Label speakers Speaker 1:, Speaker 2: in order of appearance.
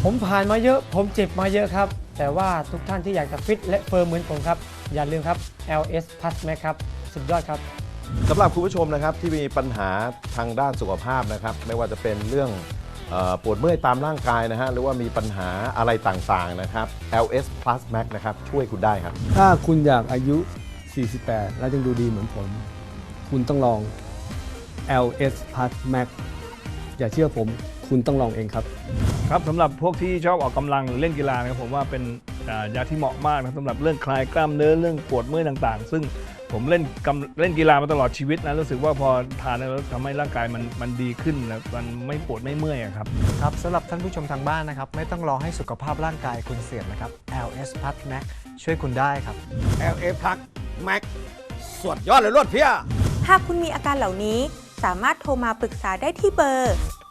Speaker 1: ผมผ่านมาเยอะผมเจ็บมาเยอะครับแต่ว่าทุกท่านที่อยากจะฟิตและเฟิร์มเหมือนผมครับอย่าลืมครับ LS Plus Max ครับสุดยอดครับ
Speaker 2: สำหรับคุณผู้ชมนะครับที่มีปัญหาทางด้านสุขภาพนะครับไม่ว่าจะเป็นเรื่องปวดเมื่อยตามร่างกายนะฮะหรือว่ามีปัญหาอะไรต่างๆนะครับ LS Plus Max นะครับช่วยคุณได้ครับ
Speaker 3: ถ้าคุณอยากอายุ 48 แล้วยังดูดีเหมือนผม คุณต้องลอง LS Plus Max อย่าเชื่อผมคุณต้องลองเองครับ
Speaker 4: ครับสำหรับพวกที่ชอบออกกำลังหรือเล่นกีฬานะครับผมว่าเป็นยาที่เหมาะมากนะสำหรับเรื่องคลายกล้ามเนื้อเรื่องปวดเมื่อยต่างๆ ซึ่งผมเล่นกีฬามาตลอดชีวิตนะรู้สึกว่าพอทานแล้วทำให้ร่างกายมันดีขึ้นนะมันไม่ปวดไม่เมื่อยครับ
Speaker 5: ครับสำหรับท่านผู้ชมทางบ้านนะครับไม่ต้องรอให้สุขภาพร่างกายคุณเสื่อมนะครับ LS Plus Max ช่วยคุณได้ครับ
Speaker 6: LA Plus Max สุดยอดเลยรวดเพี้ย
Speaker 7: หากคุณมีอาการเหล่านี้สามารถโทรมาปรึกษาได้ที่เบอร์